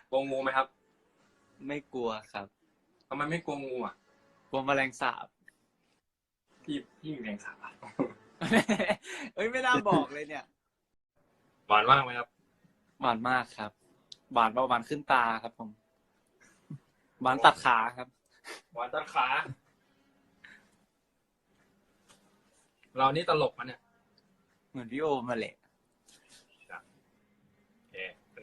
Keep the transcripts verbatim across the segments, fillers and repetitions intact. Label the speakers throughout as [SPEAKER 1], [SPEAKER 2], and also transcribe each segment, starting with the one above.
[SPEAKER 1] กลัวงูไหมครับ
[SPEAKER 2] ไม่กลัวครับ
[SPEAKER 1] ทำไมไม่กลัวงูอ่ะ
[SPEAKER 2] กลัวแมลงสาบ
[SPEAKER 1] พี่พี่มีแรงสาบ
[SPEAKER 2] เอ้ยไม่น่าบอกเลยเนี่ย
[SPEAKER 1] หวานมากไหมครับ
[SPEAKER 2] หวานมากครับหวานประมาณขึ้นตาครับผมหวานตัดขาครับ
[SPEAKER 1] หวานตัดขาเรานี่ตลกมันเนี่ย
[SPEAKER 2] เหมือนพี่โอมาแหละ
[SPEAKER 1] โอเค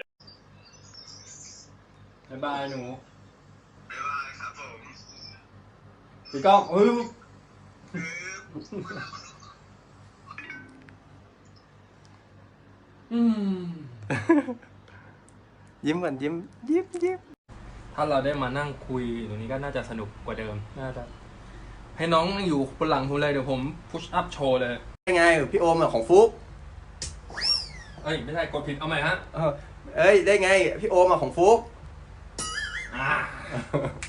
[SPEAKER 1] บ๊ายบายหนู
[SPEAKER 3] บ๊ายบายครับผม
[SPEAKER 1] พี่ก้องเฮ้ยอืม
[SPEAKER 4] ยิ้มก่อนยิ้มยิ้มยิ้ม
[SPEAKER 1] ถ้าเราได้มานั่งคุยตรงนี้ก็น่าจะสนุกกว่าเดิมน่าจะให้น้องอยู่บนหลังผมเลยเดี๋ยวผมพุชอัพโชว์เลย
[SPEAKER 4] ได้ไงพี่โอมอะของฟุก
[SPEAKER 1] เอ้ยไม่ใช่กดผิดเอาใหม่ฮะ
[SPEAKER 4] เออเอ้ยได้ไงพี่โอมอะของฟุก
[SPEAKER 1] อ่า